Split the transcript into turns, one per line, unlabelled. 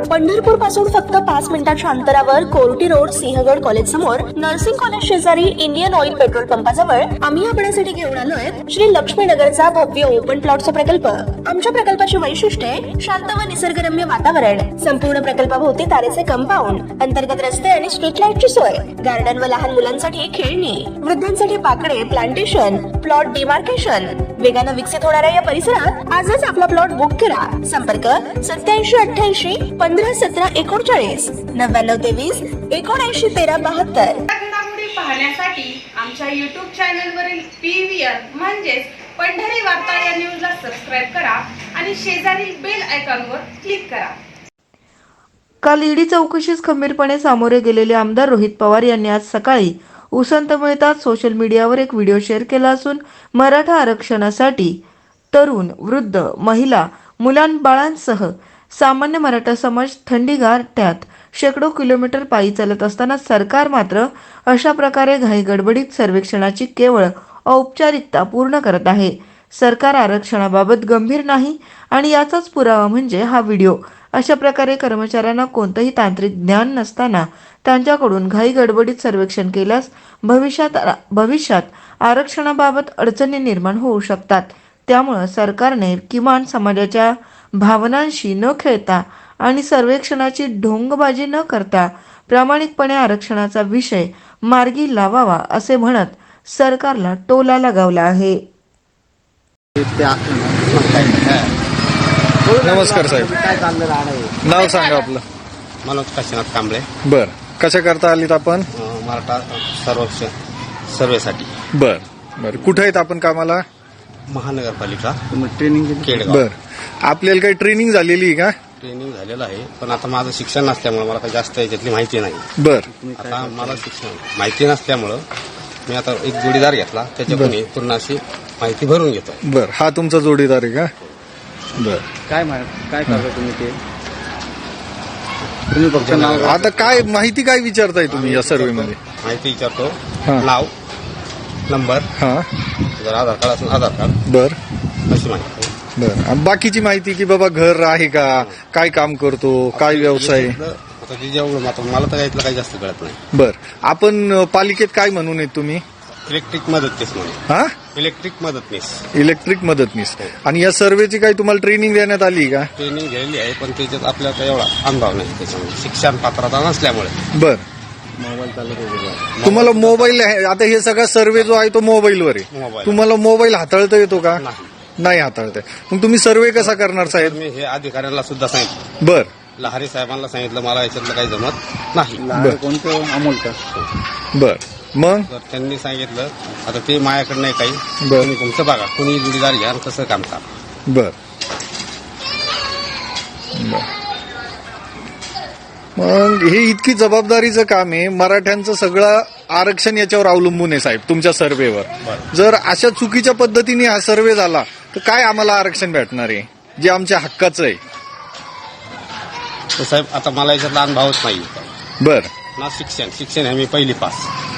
पंढरपूर पासून फक्त 5 मिनिटांच्या अंतरावर कोर्टी रोड सिंहगड कॉलेज समोर नर्सिंग कॉलेज शेजारी इंडियन ऑइल पेट्रोल पंपाजवळ आम्ही आपल्यासाठी घेऊन आलोय श्री लक्ष्मीनगरचा भव्य ओपन प्लॉटचा प्रकल्प। आमच्या प्रकल्पाची वैशिष्ट्ये शांत व निसर्गरम्य वातावरण, संपूर्ण प्रकल्पाभोवती तारेचे कंपाऊंड, अंतर्गत रस्ते आणि स्ट्रीट लाईटची सोय, गार्डन व लहान मुलांसाठी खेळणी, वृद्धांसाठी पाकडे, प्लांटेशन, प्लॉट डिमार्केशन। वेगानं विकसित होणाऱ्या या परिसरात आजच आपला प्लॉट बुक करा। संपर्क 8788 1517 39 9923 7913 72।
घडामोडी पाहण्यासाठी आमच्या YouTube चॅनलवरील PVR म्हणजेच पंढरी वार्ता या न्यूजला सबस्क्राइब करा आणि शेजारील बेल आयकॉनवर क्लिक करा।
काल ईडी चौकशीस खंबीरपणे सामोरे गेलेले आमदार रोहित पवार यांनी आज सकाळी उसंत मिळताच सोशल मीडियावर एक व्हिडिओ शेअर केला असून मराठा आरक्षणासाठी तरुण, वृद्ध, महिला, मुलांबाळांसह सामान्य मराठा समाज थंडीगारठ्यात शेकडो किलोमीटर पायी चालत असताना सरकार मात्र अशा प्रकारे घाईगडबडीत सर्वेक्षणाची केवळ औपचारिकता पूर्ण करत आहे। सरकार आरक्षणाबाबत गंभीर नाही आणि याचाच पुरावा म्हणजे हा व्हिडिओ। अशा प्रकारे कर्मचाऱ्यांना कोणतंही तांत्रिक ज्ञान नसताना त्यांच्याकडून घाईगडबडीत सर्वेक्षण केल्यास भविष्यात आरक्षणाबाबत अडचणी निर्माण होऊ शकतात। त्यामुळे सरकारने किमान समाजाच्या भावनांशी न खेळता आणि सर्वेक्षणाची ढोंगबाजी न करता प्रामाणिकपणे आरक्षणाचा विषय मार्गी लावावा असे म्हणत सरकारला टोला लगावला आहे।
नमस्कार साहेब,
काय चाललेलं आहे?
नाव सांगा आपलं.
मनोज काशीनाथ कांबळे.
बर, कशा करता आलीत आपण?
मराठा सर्वेसाठी.
बर बर, कुठे आहेत आपण कामाला?
महानगरपालिका ट्रेनिंग केडगाव.
बर, आपल्याला काही ट्रेनिंग झालेली आहे का?
ट्रेनिंग झालेलं आहे, पण आता माझं शिक्षण नसल्यामुळे मला काही जास्त याच्यातली माहिती नाही.
बर,
आता मला शिक्षण माहिती नसल्यामुळं मी आता एक जोडीदार घेतला, त्याच्याकडून पूर्ण अशी माहिती भरून घेतो.
बर, हा तुमचा जोडीदार आहे का? बर,
काय करता तुम्ही ते? तुम्ही फक्त नाव
आता काय माहिती काय विचारताय तुम्ही या सर्वे मध्ये?
माहिती विचारतो,
हा.
नाव, नंबर,
हा,
जर आधार कार्ड असेल आधार कार्ड,
बर
अशी माहिती.
बर, आणि बाकीची माहिती की बाबा घर आहे का, काय काम करतो, काय व्यवसाय?
आता ते जेवढं आता मला तर यातलं काही जास्त कळत नाही.
बर, आपण पालिकेत काय म्हणून आहेत तुम्ही?
इलेक्ट्रिक मदतनीस म्हणून.
हा,
इलेक्ट्रिक मदतनीस.
इलेक्ट्रिक मदतनीस. आणि या सर्वेची काही तुम्हाला ट्रेनिंग देण्यात आली का?
ट्रेनिंग घ्यायली आहे, पण त्याच्यात आपल्याला एवढा अनुभव नाही, त्याच्यामुळे शिक्षण पात्रता नसल्यामुळे.
बर,
मोबाईल चालत
तुम्हाला मोबाईल आहे, आता हे सगळा सर्वे जो आहे तो मोबाईलवर आहे.
मोबाईल.
तुम्हाला मोबाईल हाताळता येतो का?
नाही.
नाही हाताळता. मग तुम्ही सर्वे कसा करणार साहेब?
मी हे अधिकाऱ्यांना सुद्धा सांगितलं,
बर
लहारी साहेबांना सांगितलं, मला याच्यातलं काही जमत नाही.
बर.
कोणतं अमोल का?
बर, मग
तर त्यांनी सांगितलं आता ते माझ्याकडे नाही काही,
बर.
तुम्ही तुमचं बघा, कुणी जोडीदार घ्या आणि कसं काम करा.
बर बर. मग हे इतकी जबाबदारीचं काम आहे, मराठ्यांचं सगळं आरक्षण याच्यावर अवलंबून आहे साहेब, तुमच्या सर्वेवर. जर अशा चुकीच्या पद्धतीने हा सर्वे झाला तर काय आम्हाला आरक्षण भेटणार आहे जे आमच्या हक्काचं आहे?
तर साहेब आता मला याच्यातला अनुभवच नाही.
बर,
ना शिक्षण आहे मी पहिली पास.